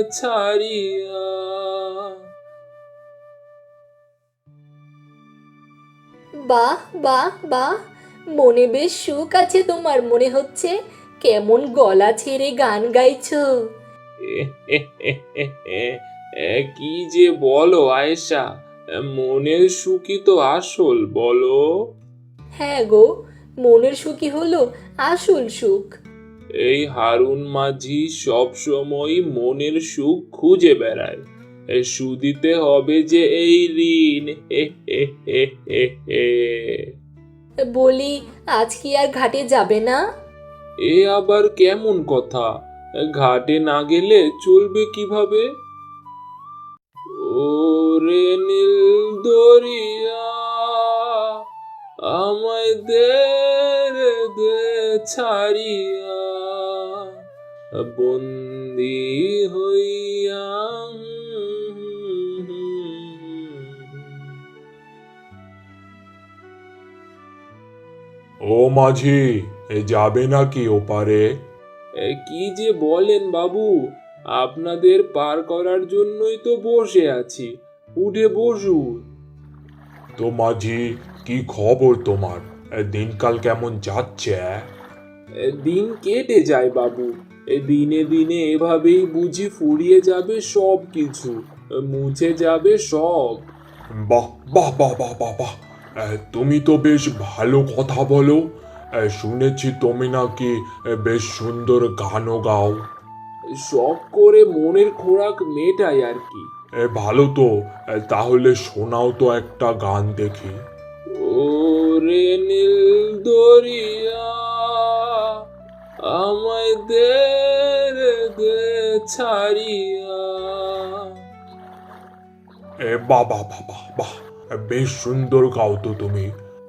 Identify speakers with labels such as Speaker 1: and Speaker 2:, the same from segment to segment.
Speaker 1: ছাড়িয়া।
Speaker 2: বাহ বাহ বাহ, মনে বেশ সুখ আছে তোমার মনে হচ্ছে। কেমন গলা ছেড়ে গান গাইছো।
Speaker 1: কি যে বলো আয়েশা, মনের সুখই তো আসল, বলো।
Speaker 2: হ্যাঁ গো, মনের সুখই হলো আসল সুখ।
Speaker 1: এই হারুন মাঝি সব সময় মনের সুখ খুঁজে বেড়ায়। শুধিতে হবে যে এই ঋণ। হে হে হে হে হে।
Speaker 2: বলি, আজ কি আর ঘাটে যাবে না?
Speaker 1: এ আবার কেমন কথা? ঘাটে না গেলে চলবে কিভাবে? ওরে নীল দরিয়া, আমায় দে রে দে ছাড়িয়া, বন্দি হইয়া।
Speaker 3: ও মাঝি, যাবে নাকি ওপারে?
Speaker 1: কি যে বলেন বাবু, আপনাদের পার করার জন্যই তো বসে আছি, উঠে বসুন।
Speaker 3: তো মাঝি, কি খবর তোমার? দিনকাল কেমন যাচ্ছে?
Speaker 1: দিন কেটে যায় বাবু, দিনে দিনে এভাবেই বুঝি ফুরিয়ে যাবে সব কিছু, মুছে যাবে সব।
Speaker 3: বাহ বাহ বাহ বাহ বাহ বাহ, তুমি তো বেশ ভালো কথা বলো। শুনেছি তুমি নাকি বেশ সুন্দর গানও গাও।
Speaker 1: শখ করে মনের খোরাক মেটাই আর কি।
Speaker 3: ভালো তো। তাহলে শোনাও তো একটা গান দেখি।
Speaker 1: ওরে নীল দরিয়া, আমায় দে রে দে ছাড়িয়া।
Speaker 3: বাহ বাহ বাহ বাহ বাহ, বেশ সুন্দর গাও তো তুমি।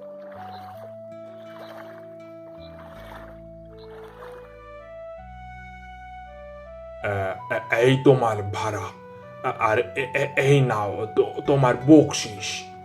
Speaker 3: এই তোমার ভাড়া, আর এই নাও তো তোমার বকশিস।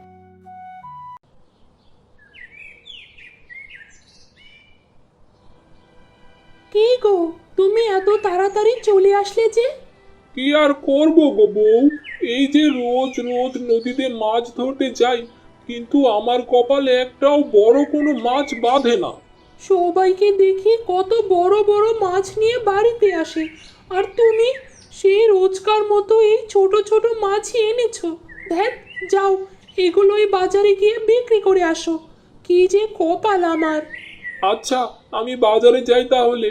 Speaker 4: কি গো, তুমি এত তাড়াতাড়ি চলে আসলে যে?
Speaker 1: কি আর করবো গো বউ, এই যে রোজ রোজ নদীতে মাছ ধরতে যাই, কিন্তু আমার কপালে একটাও বড় কোনো মাছ বাঁধে না।
Speaker 4: সবাইকে দেখি কত বড় বড় মাছ নিয়ে বাড়িতে আসে, আর তুমি সেই রোজকার মতো এই ছোট ছোট মাছই এনেছো। ধ্যান, যাও, এগুলোই বাজারে গিয়ে বিক্রি করে আসো। কি যে কপাল আমার।
Speaker 1: আচ্ছা, আমি বাজারে যাই তাহলে।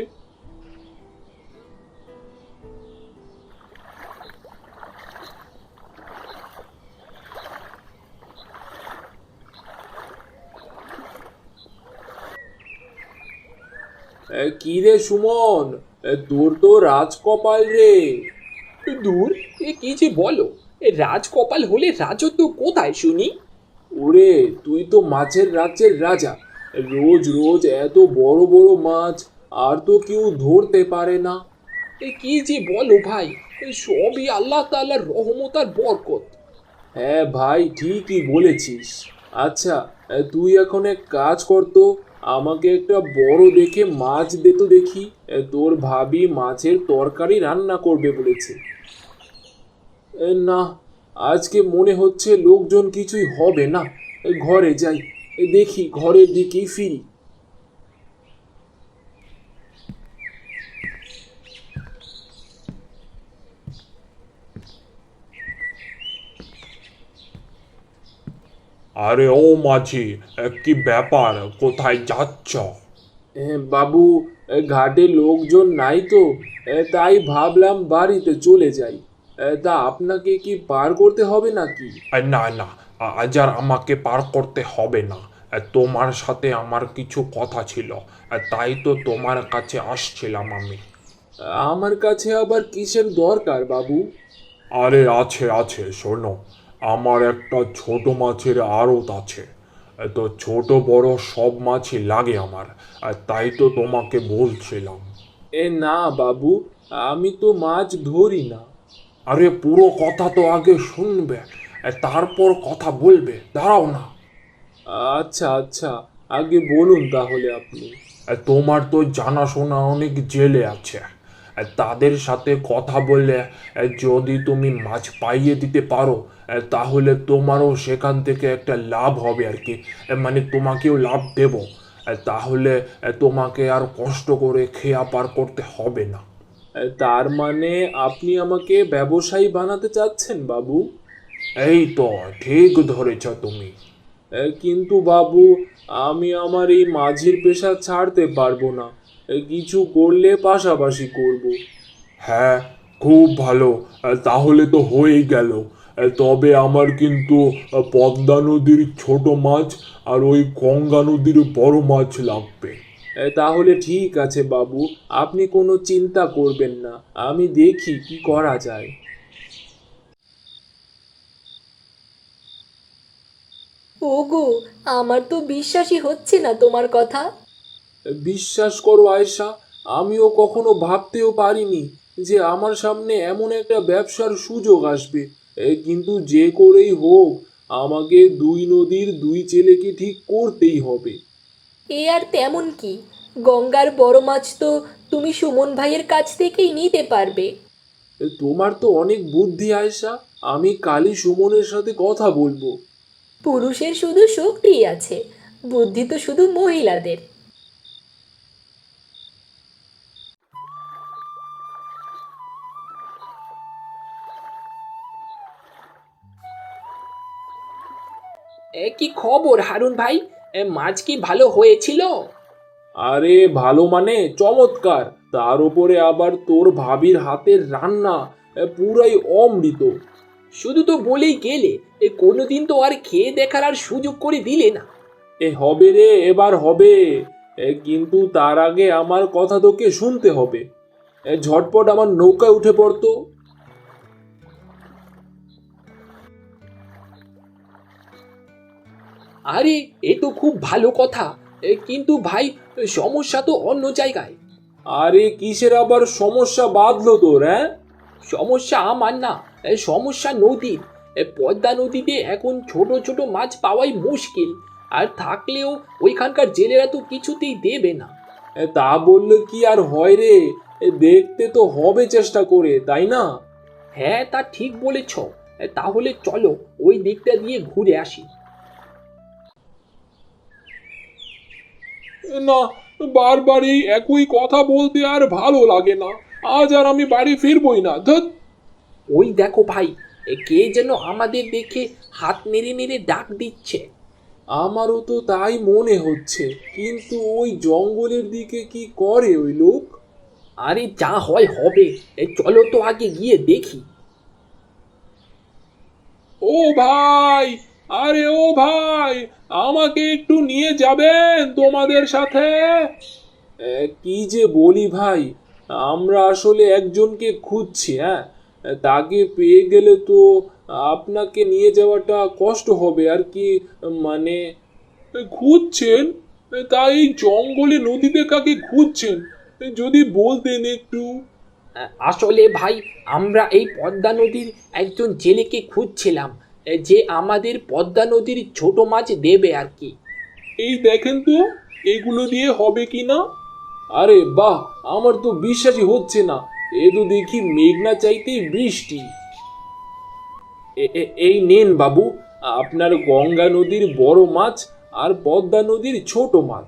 Speaker 1: কি রে সুমন, তোর তো রাজকপাল রে।
Speaker 5: দূর, এ কি যে বলো! এ রাজকপাল হলে রাজত্ব কোথায় শুনি?
Speaker 1: ওরে, তুই তো মাছের রাজ্যের রাজা, রোজ রোজ এত বড় বড় মাছ আর তো কেউ ধরতে পারে না।
Speaker 5: এ কি যে বলো ভাই! এ সবই আল্লাহ তাআলার রহমত আর বরকত।
Speaker 1: হ্যাঁ ভাই, ঠিকই বলেছিস। আচ্ছা, তুই এখন এক কাজ কর তো, আমাকে একটা বড় দেখে মাছ দে তো দেখি। তোর ভাবি মাছের তরকারি রান্না করবে বলেছে। না, আজকে মনে হচ্ছে লোকজন কিছুই হবে না। ঘরে যাই, দেখি ঘরের দিকেই ফিরি।
Speaker 3: আরে ও মাঝি, কি ব্যাপার, কোথায় যাচ্ছ?
Speaker 1: বাবু, ঘাটে লোকজন নাই তো, তাই ভাবলাম বাড়িতে চলে যাই। তা আপনাকে কি পার করতে হবে নাকি?
Speaker 3: না না, আজ আর আমাকে পার করতে হবে না। তোমার সাথে আমার কিছু কথা ছিল, তাই তো তোমার কাছে আসছিলাম আমি।
Speaker 1: আমার কাছে আবার কিসের দরকার বাবু?
Speaker 3: আরে আছে আছে, শোনো। আমার একটা ছোট মাছের আড়ত আছে। তো ছোট বড় সব মাছই লাগে আমার, তাই তো তোমাকে বলছিলাম।
Speaker 1: না বাবু, আমি তো মাছ ধরি না।
Speaker 3: আরে পুরো কথা তো আগে শুনবে, তারপর কথা বলবে, দাঁড়াও না।
Speaker 1: আচ্ছা আচ্ছা, আগে বলুন তাহলে আপনি।
Speaker 3: তোমার তো জানাশোনা অনেক জেলে আছে। তাদের সাথে কথা বললে যদি তুমি মাছ পাইয়ে দিতে পারো তাহলে তোমারও সেখান থেকে একটা লাভ হবে আর কি। মানে তোমাকেও লাভ দেব। তাহলে তোমাকে আর কষ্ট করে খেয়া পার করতে হবে না।
Speaker 1: তার মানে আপনি আমাকে ব্যবসায়ী বানাতে চাচ্ছেন বাবু?
Speaker 3: এই তো ঠিক ধরেছ তুমি।
Speaker 1: কিন্তু বাবু, আমি আমার এই মাঝির পেশা ছাড়তে পারবো না। কিছু করলে পাশাপাশি করব।
Speaker 3: হ্যাঁ, খুব ভালো। তাহলে তো হয়েই গেল। তবে আমার কিন্তু পদ্মা নদীর ছোট মাছ আর ওই গঙ্গা নদীর বড় মাছ লাগবে।
Speaker 1: তাহলে ঠিক আছে বাবু, আপনি কোনো চিন্তা করবেন না, আমি দেখি কি করা যায়।
Speaker 2: ওগো, আমার তো বিশ্বাসই হচ্ছে না তোমার কথা।
Speaker 1: বিশ্বাস করো আয়েশা, আমিও কখনো ভাবতেও পারিনি যে আমার সামনে এমন একটা ব্যবসার সুযোগ আসবে। কিন্তু যে করেই হোক, আমাকে দুই নদীর দুই ছেলেকে ঠিক করতেই হবে।
Speaker 2: এ আর তেমন কি, গঙ্গার বড় মাছ তো তুমি সুমন ভাইয়ের কাছ থেকেই নিতে পারবে।
Speaker 1: তোমার তো অনেক বুদ্ধি আয়েশা, আমি কালই সুমনের সাথে কথা বলবো।
Speaker 2: পুরুষের শুধু শক্তিই আছে, বুদ্ধি তো শুধু মহিলাদের।
Speaker 5: কি খবর হারুন ভাই? মাছ কি ভালো হয়েছিল?
Speaker 1: আরে ভালো মানে চমৎকার, তার উপরে আবার তোর ভাবির হাতের রান্না, পুরাই অমৃত।
Speaker 5: শুধু তো বলেই গেলে, কোনোদিন তো আর খেয়ে দেখার আর সুযোগ করে দিলে না।
Speaker 1: হবে রে, এবার হবে। কিন্তু তার আগে আমার কথা তোকে শুনতে হবে। ঝটপট আমার নৌকায় উঠে পড়তো।
Speaker 5: আরে, এ তো খুব ভালো কথা। কিন্তু ভাই, সমস্যা তো অন্য জায়গায়।
Speaker 1: আরে কিসের আবার সমস্যা বাঁধলো তোর? হ্যাঁ,
Speaker 5: সমস্যা আমার না, সমস্যা নদীর। পদ্মা নদীতে এখন ছোট ছোট মাছ পাওয়াই মুশকিল। আর থাকলেও ওইখানকার জেলেরা তো কিছুতেই দেবে না।
Speaker 1: তা বললে কি আর হয় রে? দেখতে তো হবে চেষ্টা করে, তাই না?
Speaker 5: হ্যাঁ, তা ঠিক বলেছ। তাহলে চলো ওই দিকটা দিয়ে ঘুরে আসি।
Speaker 1: না, বারবার এই একই কথা বলতে আর ভালো লাগে না। আজ আর আমি বাড়ি ফিরবই না, ধুৎ।
Speaker 5: ওই দেখো ভাই, কে যেন আমাদের দেখে হাত নেড়ে নেড়ে ডাক দিচ্ছে।
Speaker 1: আমারও তো তাই মনে হচ্ছে, কিন্তু ওই জঙ্গলের দিকে কি করে ওই লোক?
Speaker 5: আরে যা হয় হবে, চলো তো আগে গিয়ে দেখি।
Speaker 1: ও ভাই, আরে ও ভাই, আমাকে একটু নিয়ে যাবেন তোমাদের সাথে? কি যে বলি ভাই, আমরা আসলে একজনকে খুঁজছি। হ্যাঁ, তাকে পেয়ে গেলে তো আপনাকে নিয়ে যাওয়াটা কষ্ট হবে আর কি। মানে খুঁজছেন? তাই জঙ্গলে নদীতে কাকে খুঁজছেন যদি বলতেন একটু।
Speaker 5: আসলে ভাই, আমরা এই পদ্মা নদীর একজন জেলেকে খুঁজছিলাম, যে আমাদের পদ্মা নদীর ছোট মাছ দেবে আর কি।
Speaker 1: এই দেখেন তো, এগুলো দিয়ে হবে কি না। আরে বাহ, আমার তো বিশ্বাসই হচ্ছে না। এ তো দেখি মেঘনা চাইতেই বৃষ্টি। এই নেন বাবু, আপনার গঙ্গা নদীর বড় মাছ আর পদ্মা নদীর ছোট মাছ।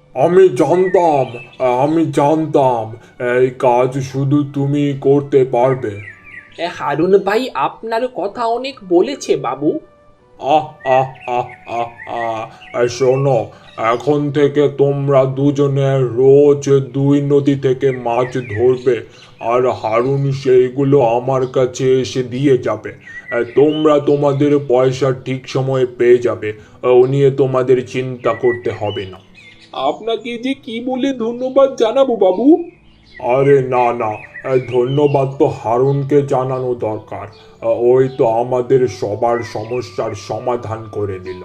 Speaker 3: আমি জানতাম এই কাজ শুধু তুমি করতে পারবে।
Speaker 5: হারুন ভাই আপনার কথা অনেক বলেছে বাবু।
Speaker 3: আহ আহ আহ আহ আহ শোনো, এখন থেকে তোমরা দুজনে রোজ দুই নদী থেকে মাছ ধরবে আর হারুন সেইগুলো আমার কাছে এসে দিয়ে যাবে। তোমরা তোমাদের পয়সা ঠিক সময়ে পেয়ে যাবে। ও নিয়ে তোমাদের চিন্তা করতে হবে না।
Speaker 1: আপনাকে যে কি বলে ধন্যবাদ জানাবো বাবু?
Speaker 3: আরে না না, ধন্যবাদ তো হারুনকে জানানো দরকার। ওই তো আমাদের সবার সমস্যার সমাধান করে দিল।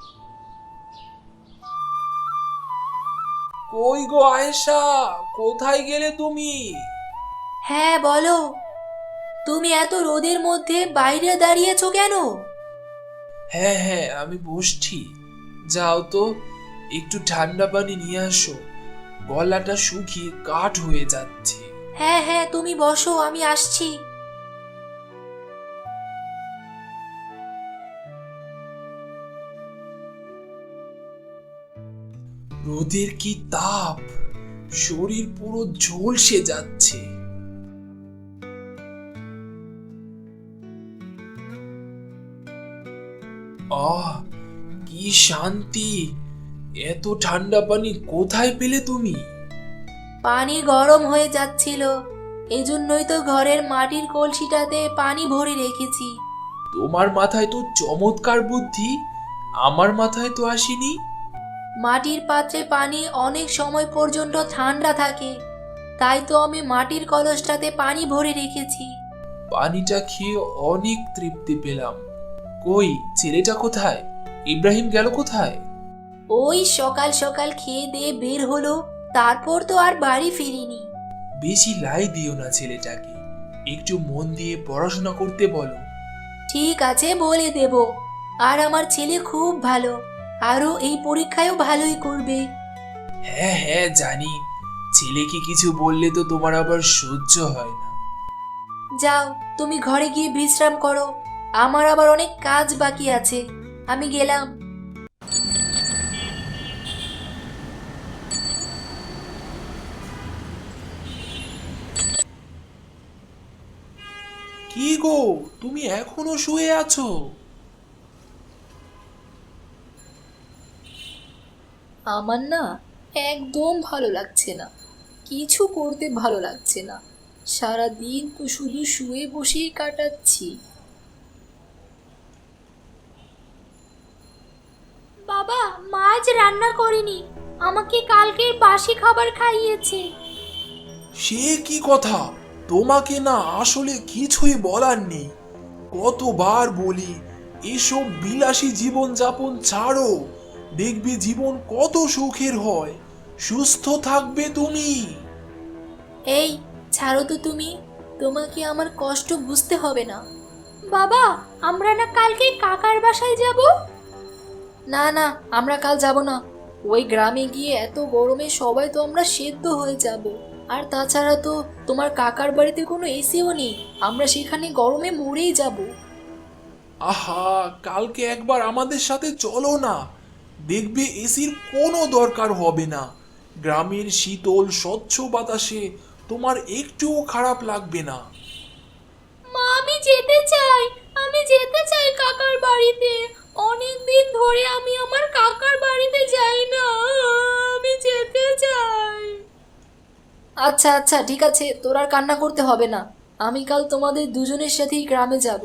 Speaker 1: কই গো আয়েশা, কোথায় গেলে তুমি?
Speaker 2: হ্যাঁ বলো, তুমি এত রোদের মধ্যে বাইরে দাঁড়িয়েছো কেন?
Speaker 6: হ্যাঁ হ্যাঁ, আমি বসছি। যাও তো, একটু ঠান্ডা পানি নিয়ে আসো, গলাটা শুকিয়ে কাঠ হয়ে যাচ্ছে।
Speaker 2: হ্যাঁ হ্যাঁ, তুমি বসো, আমি আসছি।
Speaker 6: রোদের কি তাপ, শরীর পুরো ঝলসে যাচ্ছে। আহ, কি শান্তি! এত ঠান্ডা পানি কোথায় পেলে তুমি?
Speaker 2: পানি গরম হয়ে যাচ্ছিল, এজন্যই তো ঘরের মাটির কলসিটাতে পানি ভরে রেখেছি।
Speaker 6: তোমার মাথায় তো চমৎকার বুদ্ধি, আমার মাথায় তো আসেনি।
Speaker 2: মাটির পাত্রে পানি অনেক সময় পর্যন্ত ঠান্ডা থাকে, তাই তো আমি মাটির কলসটাতে পানি ভরে রেখেছি।
Speaker 6: পানিটা খেয়ে অনেক তৃপ্তি পেলাম। কই, ছেলেটা কোথায়? ইব্রাহিম গেল কোথায়?
Speaker 2: ওই সকাল সকাল খেয়ে দিয়ে বের হলো, তারপর তো আর বাড়ি ফিরিনি।
Speaker 6: বেশি লাই দিও না ছেলেটাকে, একটু মন দিয়ে পড়াশোনা করতে বলো।
Speaker 2: ঠিক আছে, বলে দেব। আর আমার ছেলে খুব ভালো, আরও এই পরীক্ষায়ও ভালোই করবে।
Speaker 6: হ্যাঁ হ্যাঁ জানি, ছেলেকে কিছু বললে তো তোমার আবার সহ্য হয় না।
Speaker 2: যাও, তুমি ঘরে গিয়ে বিশ্রাম করো, আমার আবার অনেক কাজ বাকি আছে। আমি গেলাম।
Speaker 6: কি গো, তুমি এখনো শুয়ে আছো?
Speaker 2: আমার না একদম ভালো লাগছে না, কিছু করতে ভালো লাগছে না, সারা দিন তো শুধু শুয়ে বসেই কাটাচ্ছি। বাবা, মা আজ রান্না করেনি, আমাকে কালকের বাসি খাবার খাইয়েছে।
Speaker 6: সে কি কথা, তোমাকে না আসলে কিছুই বলার নেই। কতবার বলি এসব বিলাসী জীবন যাপন ছাড়ো, দেখবে জীবন কত সুখের হয়, সুস্থ থাকবে তুমি।
Speaker 2: এই, ছাড়ো তো তুমি, তোমাকে আমার কষ্ট বুঝতে হবে না। বাবা, আমরা না কালকে কাকার বাসায় যাব? না না, আমরা কাল যাব না। ওই গ্রামে গিয়ে এত গরমে সবাই তো আমরা সেদ্ধ হয়ে যাব। আর তাছাড়া তো তোমার কাকার বাড়িতে কোনো এসিও নেই, আমরা সেখানে গরমে মরেই যাব।
Speaker 6: আহা, কালকে একবার আমাদের সাথে চলো না, দেখবে এসির কোনো দরকার হবে না। গ্রামের শীতল স্বচ্ছ বাতাসে তোমার একটুও খারাপ লাগবে না।
Speaker 2: মা, আমি যেতে চাই, আমি যেতে চাই কাকার বাড়িতে। অনেক দিন ধরে আমি আমার কাকার বাড়িতে যাই না, আমি যেতে চাই। আচ্ছা আচ্ছা, ঠিক আছে, তোর আর কান্না করতে হবে না, আমি কাল তোমাদের দুজনের সাথেই গ্রামে যাব।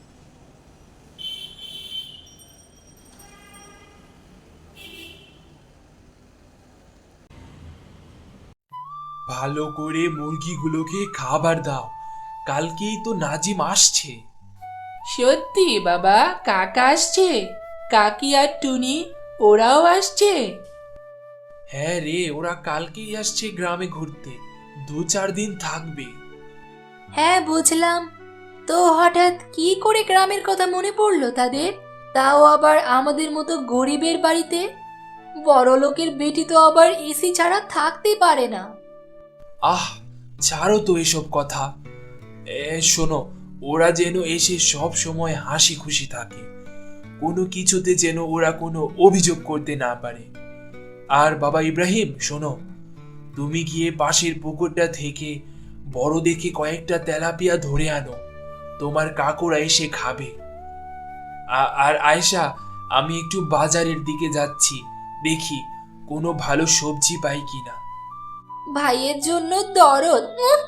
Speaker 6: ভালো করে মুরগিগুলোকে খাবার দাও, কালকেই তো নাজিম আসছে।
Speaker 4: সত্যি বাবা, কাকা আসছে? কাকি আর টুনি ওরাও আসছে?
Speaker 6: হ্যাঁ রে, ওরা কালকেই আসছে গ্রামে ঘুরতে, 2-4 দিন থাকবে।
Speaker 2: হ্যাঁ, বুঝলাম। তো হঠাৎ কি করে গ্রামের কথা মনে পড়লো তাদের? তাও আবার আমাদের মতো গরিবের বাড়িতে। বড় লোকের বেটি তো আবার এসি ছাড়া থাকতে পারে না।
Speaker 6: আহ, ছাড়ো তো এসব কথা। শোনো, ওরা যেন এসে সব সময় হাসি খুশি থাকে, কোনো কিছুতে যেন ওরা কোনো অভিযোগ করতে না পারে। আর বাবা ইব্রাহিম, শোনো, তুমি গিয়ে পাশের পুকুরটা থেকে বড় দেখে কয়েকটা তেলাপিয়া ধরে আনো, তোমার কাকুরা এসে খাবে। আর আয়েশা, আমি একটু বাজারের দিকে যাচ্ছি, দেখি কোনো ভালো সবজি পাই কিনা।
Speaker 2: ভাইয়ের জন্য দরদ।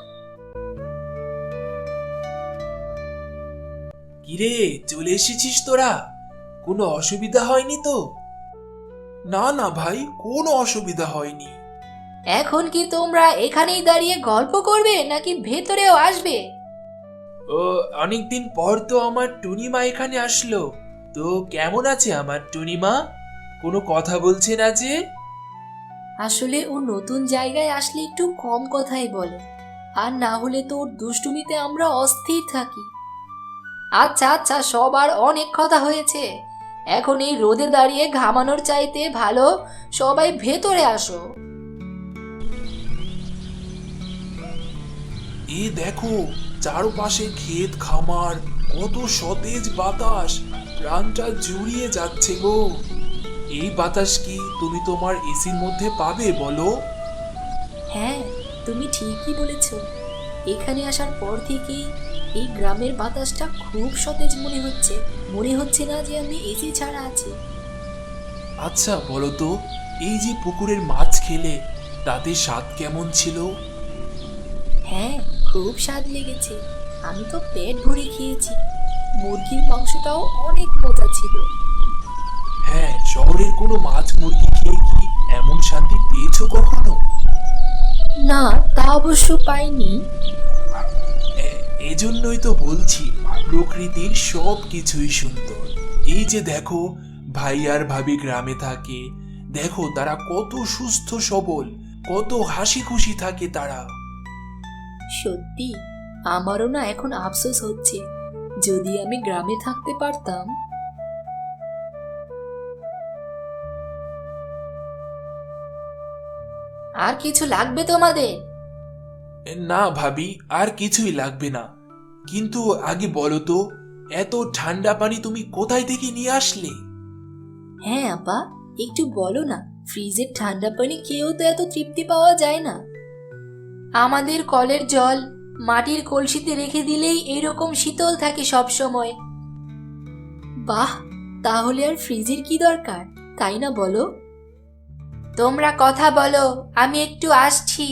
Speaker 6: কিরে, চলে এসেছিস তোরা? কোনো অসুবিধা হয়নি তো? না না ভাই, কোনো অসুবিধা হয়নি।
Speaker 2: এখন কি তোমরা এখানেই দাঁড়িয়ে গল্প করবে নাকি ভেতরেও আসবে?
Speaker 6: ও, অনেকদিন পর তো আমার টুনিমা এখানে আসলো। তো কেমন আছে আমার টুনিমা? কোনো কথা বলছে না যে?
Speaker 2: আসলে ও নতুন জায়গায় আসলে একটু কম কথাই বলে, আর না হলে তো ওর দুষ্টুমিতে আমরা অস্থির থাকি। আচ্ছা আচ্ছা, সবার অনেক কথা হয়েছে, এখন এই রোদে দাঁড়িয়ে ঘামানোর চাইতে ভালো সবাই ভেতরে আসো।
Speaker 6: এই দেখো, চারপাশে ক্ষেত খামার, কত সতেজ বাতাস, প্রাণটা জুড়িয়ে যাচ্ছে গো। এই বাতাস কি তুমি তোমার এসির মধ্যে পাবে বলো?
Speaker 2: হ্যাঁ, তুমি ঠিকই বলেছ। এখানে আসার পর থেকেই এই গ্রামের বাতাসটা খুব সতেজ মনে হচ্ছে। মনে হচ্ছে না যে আমি এসি ছাড়া আছি।
Speaker 6: আচ্ছা বলো তো, এই যে পুকুরের মাছ খেলে তাতে স্বাদ কেমন ছিল?
Speaker 2: হ্যাঁ, খুব স্বাদ লেগেছে। আমি তো পেট ভরে খেয়েছি। মুরগির মাংসটাও অনেক মজা ছিল।
Speaker 6: হ্যাঁ, শহরের কোনো মাছ মুরগি খেয়ে কি এমন শান্তি পেয়েছো কখনো?
Speaker 2: না, তা অবশ্য পাইনি।
Speaker 6: এজন্যই তো বলছি, প্রকৃতির সব কিছুই সুন্দর। এই যে দেখো, ভাই আর ভাবি গ্রামে থাকে, দেখো তারা কত সুস্থ সবল, কত হাসি খুশি থাকে তারা।
Speaker 2: সত্যি, আমারও না এখন আফসোস হচ্ছে, যদি আমি গ্রামে থাকতে পারতাম। আর কিছু লাগবে তোমাদের?
Speaker 6: না ভাবি, আর কিছুই লাগবে না। কিন্তু আগে বলো তো, এত ঠান্ডা পানি তুমি কোথায় থেকে নিয়ে আসলে?
Speaker 2: হ্যাঁ আপা, একটু বলো না। ফ্রিজের ঠান্ডা পানি খেয়েও তো এত তৃপ্তি পাওয়া যায় না। আমাদের কলের জল মাটির কলসিতে রেখে দিলেই এরকম শীতল থাকে সব সময়। বাহ, তাহলে আর ফ্রিজের কি দরকার, তাই না বলো? তোমরা কথা বলো, আমি একটু আসছি।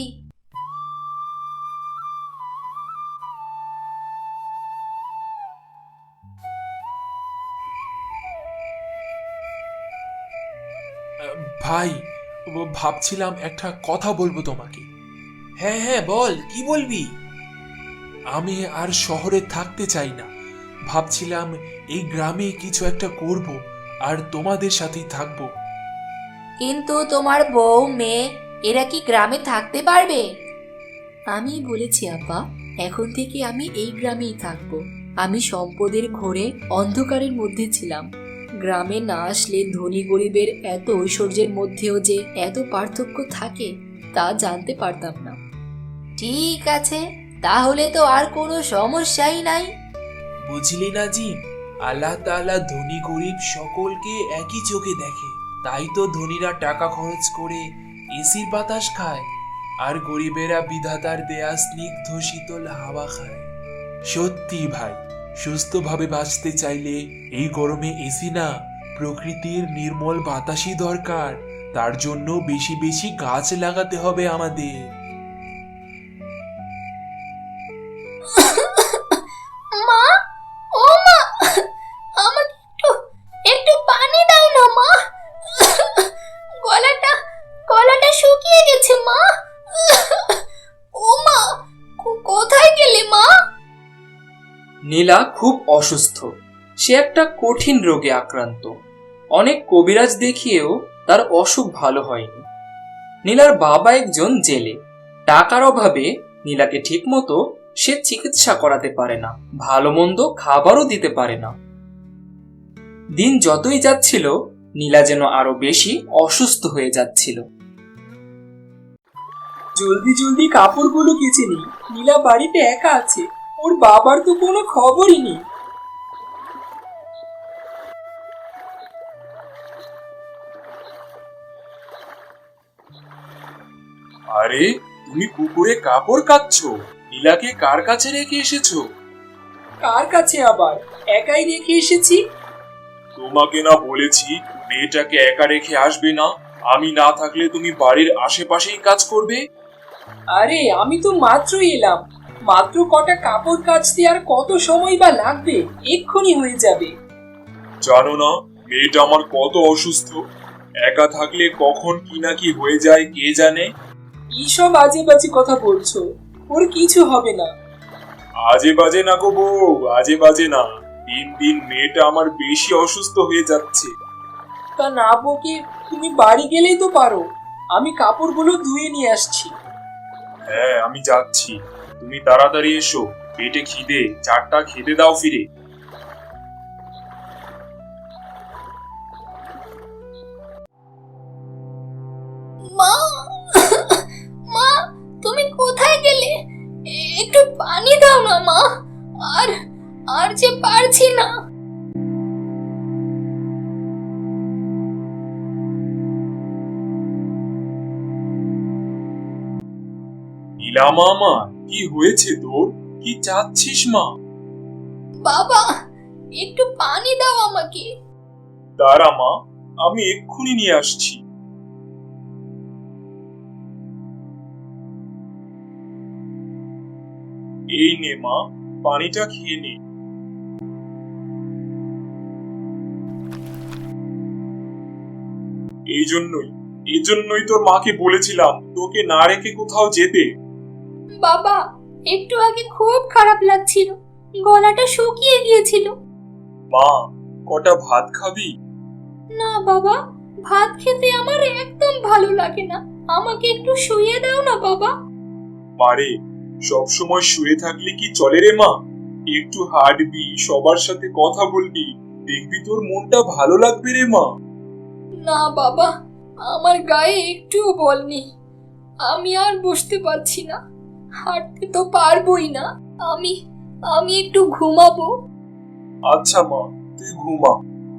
Speaker 6: ভাই, ভাবছিলাম একটা কথা বলবো তোমাকে। হ্যাঁ হ্যাঁ, বল, কি বলবি? আমি আর শহরে থাকতে চাই না। ভাবছিলাম এই গ্রামে কিছু একটা করব, আর তোমাদের সাথেই থাকবো।
Speaker 2: কিন্তু তোমার বউ মেয়ে এরা কি গ্রামে থাকতে পারবে? আমি বলেছি আপা, এখন থেকে আমি এই গ্রামেই থাকবো। আমি সম্পদের ঘোরে অন্ধকারের মধ্যে ছিলাম। গ্রামে না আসলে ধনী গরিবের এত ঐশ্বর্যের মধ্যেও যে এত পার্থক্য থাকে তা জানতে পারতাম না। ঠিক আছে, তাহলে তো আর কোনো সমস্যাই নাই।
Speaker 6: বুঝলি না জিম, আল্লাহ তাআলা ধনী গরিব সকলকে একই চোখে দেখে। তাই তো ধনীরা টাকা খরচ করে এসির বাতাস খায়, আর গরিবেরা বিধাতার দেয়া স্নিগ্ধ শীতল হাওয়া খায়। সত্যি ভাই, সুস্থভাবে বাঁচতে চাইলে এই গরমে এসি না, প্রকৃতির নির্মল বাতাসই দরকার। তার জন্য বেশি বেশি গাছ লাগাতে হবে আমাদের।
Speaker 2: মা, ও মা, আমাকে একটু একটু পানি দাও না মা। গলাটা শুকিয়ে গেছে মা। ও মা, কোথায় গেলে মা?
Speaker 7: নীলা খুব অসুস্থ। সে একটা কঠিন রোগে আক্রান্ত। অনেক কবিরাজ দেখিয়েও তার অসুখ ভালো হয়নি। নীলার বাবা একজন জেলে। টাকার অভাবে নীলাকে ঠিকমতো সে চিকিৎসা করাতে পারে না, ভালো মন্দ খাবারও দিতে পারে না। দিন যতই যাচ্ছিল, নীলা যেন আরো বেশি অসুস্থ হয়ে যাচ্ছিল। জলদি জলদি কাপড়গুলো কেচে নি, নীলা বাড়িতে একা আছে, ওর বাবার তো কোনো খবরই নেই।
Speaker 3: আরে, তুমি পুকুরে কাপড় কাচ্ছো? নীলাকে কার কাছে রেখে এসেছো?
Speaker 7: কার কাছে আবার, একাই রেখে এসেছি।
Speaker 3: তোমাকে না বলেছি মেয়েটাকে একা রেখে আসবে না? আমি না থাকলে তুমি বাড়ির আশেপাশেই কাজ করবে।
Speaker 7: আরে আমি তো মাত্রই এলাম, মাত্র কটা কাপড় কাচতে আর কত সময় বা লাগবে, এক্ষুনি হয়ে যাবে।
Speaker 3: জানো না মেয়েটা আমার কত অসুস্থ? একা থাকলে কখন কি না কি হয়ে যায় কে জানে।
Speaker 7: এইসব আজে বাজে কথা বলছো, ওর কিছু হবে না।
Speaker 3: আজে বাজে না গো বউ, আজে বাজে না। দিন দিন মেয়েটা আমার বেশি অসুস্থ হয়ে যাচ্ছে।
Speaker 7: তা না বকে তুমি বাড়ি গেলেই তো পারো, আমি কাপড়গুলো ধুয়ে নিয়ে আসছি।
Speaker 3: হ্যাঁ, আমি যাচ্ছি। তুমি তাড়াতাড়ি এসো, পেটে খিদে, চারটা খেতে দাও ফিরে।
Speaker 2: মা, মা, তুমি কোথায় গেলে? একটু পানি দাও না মা, আর আর যে পারছি না।
Speaker 6: নীলা মামা, কি হয়েছে তোর? কি চাচ্ছিস মা?
Speaker 2: বাবা, একটু পানি দাও আমাকে।
Speaker 6: দাঁড়া মা, আমি এক্ষুনি নিয়ে আসছি। এই নে মা, পানিটা খেয়ে নে। এই জন্যই তোর মাকে বলেছিলাম তোকে না রেখে কোথাও যেতে।
Speaker 2: বাবা, একটু আগে খুব খারাপ লাগছিল, গলাটা শুকিয়ে গিয়েছিল।
Speaker 6: মা, কটা ভাত খাবি?
Speaker 2: না বাবা, ভাত খেতে আমার একদম ভালো লাগে না, আমাকে একটু শুইয়ে দাও না বাবা।
Speaker 6: মারে, সব সময় শুয়ে থাকলে কি চলে রে মা? একটু হাঁটবি, সবার সাথে কথা বলবি, দেখবি তোর মনটা ভালো লাগবে রে মা।
Speaker 2: না বাবা, আমার গায়ে একটুও বল নেই, আমি আর বসতে পারছি না, হাঁটতে তো পারবোই না, আমি আমি একটু ঘুমাবো।
Speaker 6: আচ্ছা মা, তুই ঘুমা।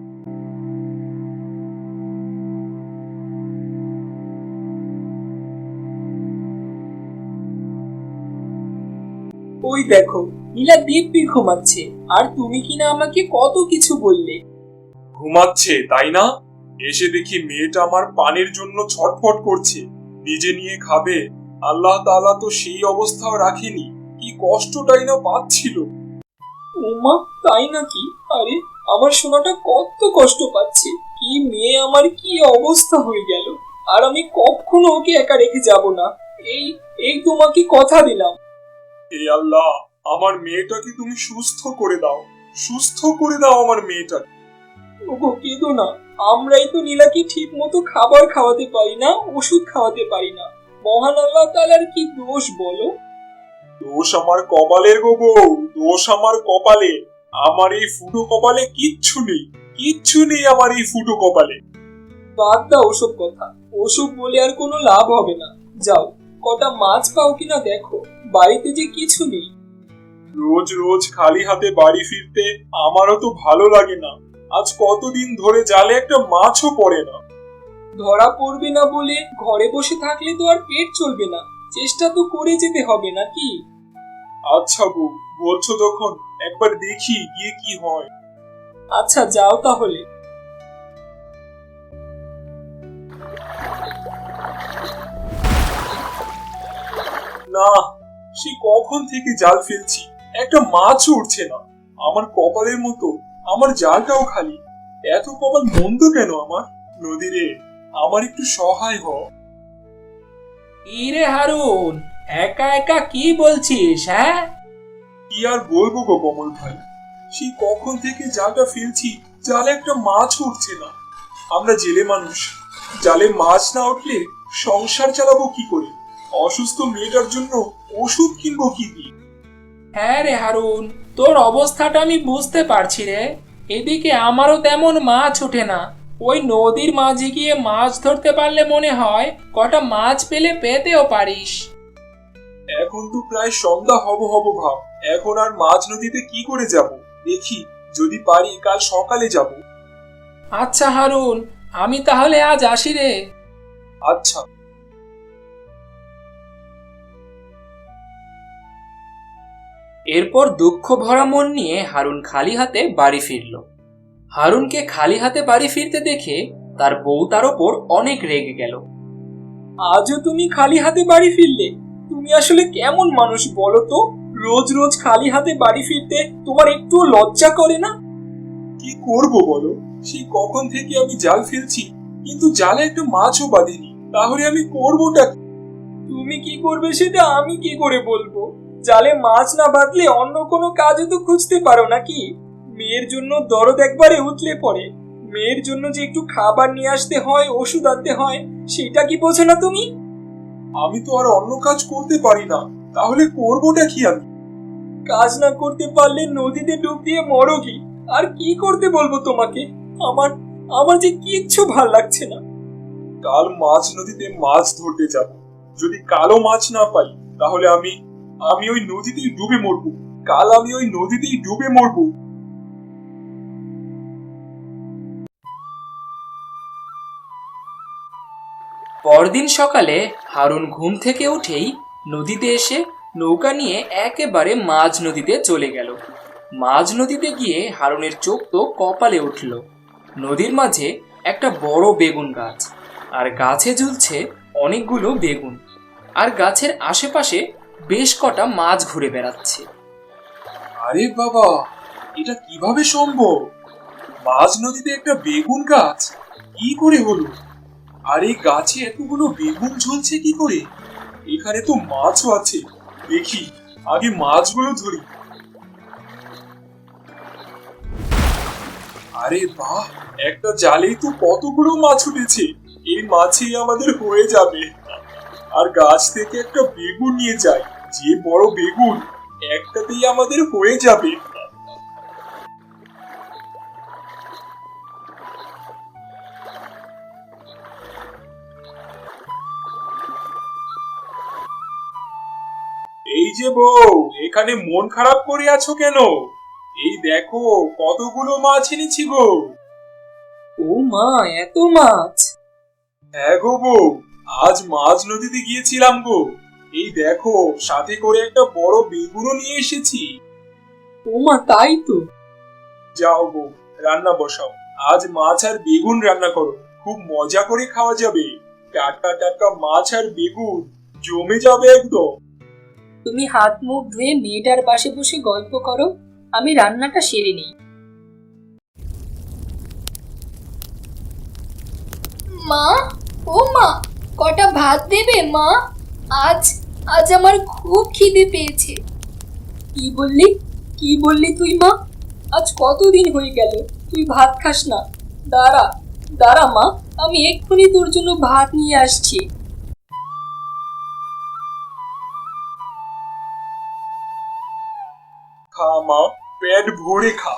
Speaker 7: ওই দেখো, নীলা দিব্যি ঘুমাচ্ছে, আর তুমি কিনা আমাকে কত কিছু বললে।
Speaker 6: ঘুমাচ্ছে তাই না? এসে দেখি মেয়েটা আমার পানির জন্য ছটফট করছে, নিজে নিয়ে খাবে। আল্লাহ তাআলা তো সেই অবস্থাও রাখেনি, কি কষ্টটাই না পাচ্ছিল। ওমা, তাই নাকি? আরে, আমার সোনাটা কত কষ্ট পাচ্ছে। কি মেয়ে আমার, কি অবস্থা হয়ে গেল। আর আমি কখনো ওকে একা রেখে যাব না, এই এই তোমাকে কথা দিলাম। হে আল্লাহ, আমার মেয়েটাকে তুমি সুস্থ করে দাও, সুস্থ করে দাও আমার মেয়েটাকে। ওগো, কেঁদো না, আমরাই তো নীলাকে ঠিক মতো খাবার খাওয়াতে পারি না, ওষুধ খাওয়াতে পারি না। মহান আল্লাহ তাআলার কি দোষ বলো? দোষ আমার কপালের গো বউ, দোষ আমার কপালে। আমার এই ফুটো কপালে কিচ্ছু নেই, কিচ্ছু নেই আমার এই ফুটো কপালে। বাদ দাও ওসব কথা, ওসব বলে আর কোনো লাভ হবে না। যাও, কটা মাছ পাও কিনা দেখো, বাড়িতে যে কিছু নেই। রোজ রোজ খালি হাতে বাড়ি ফিরতে আমারও তো ভালো লাগে না। আজ কতদিন ধরে জালে একটা মাছও পড়ে না। ধরা পড়বে না বলে ঘরে বসে থাকলে তো আর পেট চলবে না, চেষ্টা তো করে যেতে হবে নাকি? আচ্ছা বউ, বলছো তখন একবার দেখি গিয়ে কি হয়। আচ্ছা, যাও তাহলে। না, সে কখন থেকে জাল ফেলছি, একটা মাছও উঠছে না। আমার কপালের মতো আমার জালটাও খালি। এত কপাল মন্দ কেন আমার? নদী রে, আমার একটু সহায় হ।
Speaker 5: ইরে হারুন, একা একা কি বলছিস? হ্যাঁ,
Speaker 6: কি আর বলবো গো কমল ভাই, সেই কখন থেকে জালটা ফেলছি, জালে একটা মাছ উঠছে না। আমরা জেলে মানুষ, জালে মাছ না উঠলে সংসার চালাবো কি করে? অসুস্থ মেয়েটার জন্য ওষুধ কিনবো কি দিয়ে?
Speaker 5: হ্যাঁ রে হারুন, তোর অবস্থাটা আমি বুঝতে পারছি রে। এদিকে আমারও তেমন মাছ ওঠে না। ওই নদীর মাঝে গিয়ে মাছ ধরতে পারলে মনে হয় কটা মাছ পেলে পেতেও পারিস।
Speaker 6: এখন তো প্রায় সন্ধ্যা হব হব ভাব, এখন আর মাঝ নদীতে কি করে যাব? দেখি, যদি পারি কাল সকালে যাব।
Speaker 5: আচ্ছা হারুন, আমি তাহলে আজ আসি রে।
Speaker 6: আচ্ছা।
Speaker 7: এরপর দুঃখ ভরা মন নিয়ে হারুন খালি হাতে বাড়ি ফিরল। হারুনকে খালি হাতে বাড়ি ফিরতে দেখে তার বউ তার ওপর অনেক রেগে গেল। আজও তুমি খালি হাতে বাড়ি ফিরলে? তুমি আসলে কেমন মানুষ বলো তো? রোজ রোজ খালি হাতে বাড়ি ফিরতে তোমার একটুও লজ্জা করে না? কি করব বলো, সেই কখন থেকে আমি জাল ফেলছি, কিন্তু জালে একটা মাছও বাঁধেনি। তাহলে আমি করবোটা কি? তুমি কি করবে সেটা আমি কি করে বলবো? জালে মাছ না বাঁধলে অন্য কোনো কাজও তো খুঁজতে পারো নাকি? মেয়ের জন্য দরদ একবারে উতলে পড়ে, মেয়ের জন্য যে একটু খাবার নিয়ে আসতে হয়, ওষুধ আনতে হয়, সেটা কি বোঝো না তুমি? আমি তো আর অন্য কাজ করতে পারি না, তাহলে করবোটা কি আমি? কাজ না করতে পারলে নদীতে ডুব দিয়ে মরো কি? আর কি করতে বলবো তোমাকে? আমার আমার যে কিচ্ছু ভাল লাগছে না। কাল মাছ নদীতে মাছ ধরতে যাব, যদি কালো মাছ না পাই তাহলে
Speaker 6: আমি ওই নদীতেই ডুবে মরবো। কাল আমি ওই নদীতেই ডুবে মরবো।
Speaker 7: পরদিন সকালে হারুন ঘুম থেকে উঠেই নদীতে এসে নৌকা নিয়ে একেবারে মাঝ নদীতে চলে গেল। মাঝ নদীতে গিয়ে হারুনের চোখ তো কপালে উঠল। নদীর মাঝে একটা বড় বেগুন গাছ, আর গাছে ঝুলছে অনেকগুলো বেগুন, আর গাছের আশেপাশে বেশ কটা মাছ ঘুরে বেড়াচ্ছে।
Speaker 6: আরে বাবা, এটা কিভাবে সম্ভব? মাঝ নদীতে একটা বেগুন গাছ কি করে হলো? আর এই গাছে এতগুলো বেগুন ঝুলছে কি করে? এখানে তো মাছও আছে, দেখি আগে মাছগুলো ধরি। আরে বাহ, একটা জালেই তো কতগুলো মাছ উঠেছে। এই মাছই আমাদের হয়ে যাবে। আর গাছ থেকে একটা বেগুন নিয়ে যাই, যে বড় বেগুন, একটাতেই আমাদের হয়ে যাবে। এই যে বউ, এখানে মন খারাপ করে আছো কেন? এই দেখো কতগুলো মাছ এনেছি গো।
Speaker 7: ও মা, এত মাছ!
Speaker 6: হ্যাঁ গো বউ, আজ মাঝ নদীতে গিয়েছিলাম গো। এই দেখো, সাথে করে একটা বড় বেগুনও নিয়ে এসেছি।
Speaker 7: ও মা, তাই তো।
Speaker 6: যাও গো, রান্না বসাও। আজ মাছ আর বেগুন রান্না করো, খুব মজা করে খাওয়া যাবে। টাটকা টাটকা মাছ আর বেগুন জমে যাবে একদম।
Speaker 8: তুমি হাত মুখ ধুয়ে মেয়েটার পাশে বসে গল্প করো, আমি রান্নাটা সেরে নিই।
Speaker 2: মা, ও মা, কটা ভাত দেবে মা? আজ আজ আমার খুব খিদে পেয়েছে।
Speaker 8: কি বললি? কি বললি তুই মা? আজ কতদিন হয়ে গেল তুই ভাত খাস না। দাঁড়া দাঁড়া মা, আমি এক্ষুনি তোর জন্য ভাত নিয়ে আসছি।
Speaker 6: খা মা, পেট ভরে খা।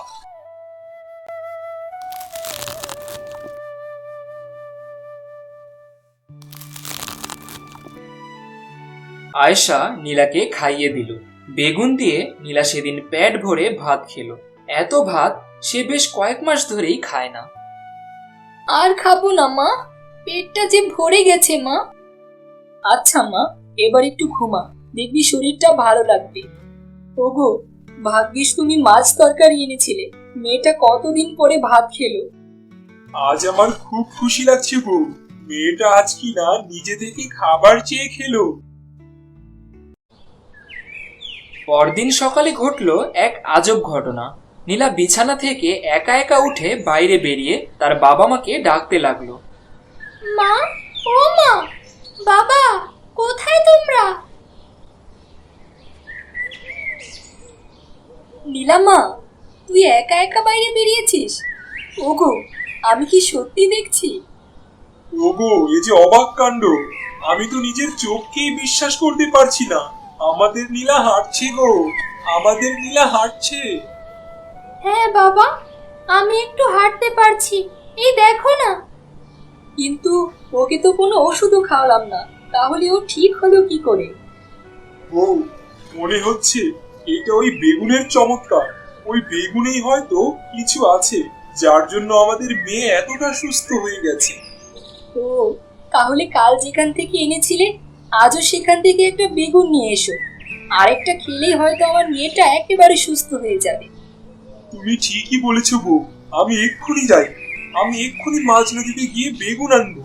Speaker 7: আয়েশা নীলাকে খাইয়ে দিল। বেগুন দিয়ে নীলা সেদিন পেট ভরে ভাত খেলো। এত ভাত সে বেশ কয়েক মাস ধরেই খায় না।
Speaker 2: আর খাবো না মা, পেটটা যে ভরে গেছে মা।
Speaker 8: আচ্ছা মা, এবার একটু ঘুমা, দেখবি শরীরটা ভালো লাগবে। ওগো, ভাগ্যিস তুমি মাছ তরকারি এনেছিলে, মেয়েটা কতদিন পরে ভাত খেলো।
Speaker 6: আজ আমার খুব খুশি লাগছে গো, মেয়েটা আজ কি না নিজে থেকে খাবার চেয়ে খেলো।
Speaker 7: পরদিন সকালে ঘটলো এক আজব ঘটনা। নীলা বিছানা থেকে একা একা উঠে বাইরে বেরিয়ে তার বাবা মাকে ডাকতে লাগলো।
Speaker 2: মা, ও মা, বাবা, কোথায় তোমরা?
Speaker 8: নীলামা, তুই একা একা বাইরে বেরিয়েছিস? ওগো, আমি কি সত্যি দেখছি?
Speaker 6: ওগো, এ যে অবাক কাণ্ড! আমি তো নিজের চোখকেই বিশ্বাস করতে পারছি না। আমাদের নীলা হাঁটছে গো, আমাদের নীলা হাঁটছে।
Speaker 2: হ্যাঁ বাবা, আমি একটু হাঁটতে পারছি, এই দেখো না।
Speaker 8: কিন্তু ওকে তো কোনো ওষুধও খাওয়ালাম না, তাহলে ও ঠিক হলো কি করে?
Speaker 6: ও, মনে হচ্ছে এটা ওই বেগুনের চমৎকার। ওই বেগুনেই হয়তো কিছু আছে, যার জন্য আমাদের মেয়ে এতটা সুস্থ হয়ে গেছে।
Speaker 8: ও, তাহলে কাল যেখান থেকে এনেছিলে আজও সেখান থেকে একটা বেগুন নিয়ে এসো। আরেকটা খেলেই হয়তো আমার মেয়েটা একেবারে সুস্থ হয়ে যাবে।
Speaker 6: তুমি ঠিকই বলেছো গো, আমি এক্ষুনি যাই। আমি এক্ষুনি মাঝ নদীতে গিয়ে বেগুন আনবো।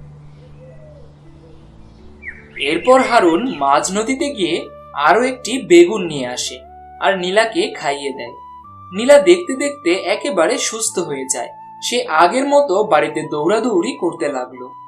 Speaker 7: এরপর হারুন মাঝ নদীতে গিয়ে আরো একটি বেগুন নিয়ে আসে আর নীলাকে খাইয়ে দেয়। নীলা দেখতে দেখতে একেবারে সুস্থ হয়ে যায়। সে আগের মতো বাড়িতে দৌড়াদৌড়ি করতে লাগলো।